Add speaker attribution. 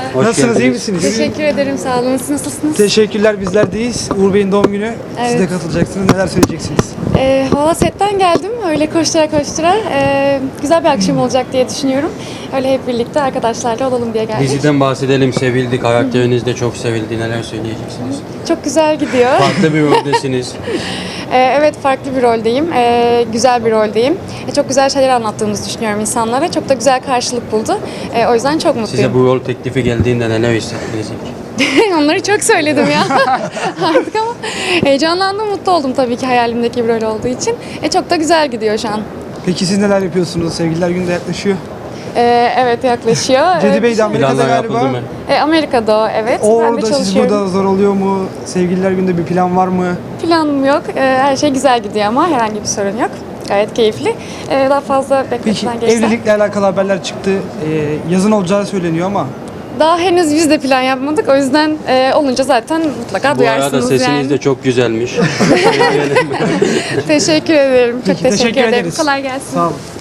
Speaker 1: Hoş
Speaker 2: Nasılsınız, iyi
Speaker 1: geldiniz.
Speaker 2: misiniz?
Speaker 3: Teşekkür ederim, sağ olun. Siz nasılsınız?
Speaker 2: Teşekkürler, bizler deyiz. Uğur Bey'in doğum günü. Siz de
Speaker 3: Evet.
Speaker 2: katılacaksınız. Neler söyleyeceksiniz?
Speaker 3: Valla setten geldim, öyle koştura koştura. Güzel bir akşam olacak diye düşünüyorum. Öyle hep birlikte arkadaşlarla olalım diye geldik.
Speaker 1: Diziden bahsedelim. Sevildi. Karakteriniz de çok sevildi. Neler söyleyeceksiniz?
Speaker 3: Çok güzel gidiyor.
Speaker 1: Farklı bir roldesiniz.
Speaker 3: Evet, farklı bir roldeyim. Güzel bir roldeyim. Çok güzel şeyler anlattığımızı düşünüyorum insanlara. Çok da güzel karşılık buldu. O yüzden çok mutluyum.
Speaker 1: Size bu rol teklifi geldiğinde neler hissettiniz ilk?
Speaker 3: Onları çok söyledim ya artık ama heyecanlandım, mutlu oldum tabii ki hayalimdeki bir rol olduğu için. Çok da güzel gidiyor şu an.
Speaker 2: Peki siz neler yapıyorsunuz? Sevgililer Günü de yaklaşıyor.
Speaker 3: Evet, yaklaşıyor.
Speaker 2: Cedi Bey de Amerika'da
Speaker 1: Planlar
Speaker 2: galiba.
Speaker 1: yapıldı mı?
Speaker 3: Amerika'da o, evet.
Speaker 2: O
Speaker 3: Ben de
Speaker 2: orada, siz
Speaker 3: çalışıyorum.
Speaker 2: burada zor oluyor mu? Sevgililer Günü'nde bir plan var mı?
Speaker 3: Planım yok. Her şey güzel gidiyor ama herhangi bir sorun yok. Gayet keyifli. Daha fazla
Speaker 2: Peki
Speaker 3: bekletmeden geçse.
Speaker 2: evlilikle alakalı haberler çıktı. Yazın olacağı söyleniyor ama.
Speaker 3: Daha henüz biz de plan yapmadık. O yüzden olunca zaten mutlaka
Speaker 1: Bu arada
Speaker 3: duyarsınız
Speaker 1: sesiniz
Speaker 3: yani.
Speaker 1: de çok güzelmiş.
Speaker 3: Teşekkür ederim. Çok
Speaker 2: Peki,
Speaker 3: teşekkür ederim.
Speaker 2: ederiz.
Speaker 3: Kolay gelsin.
Speaker 2: Sağ olun.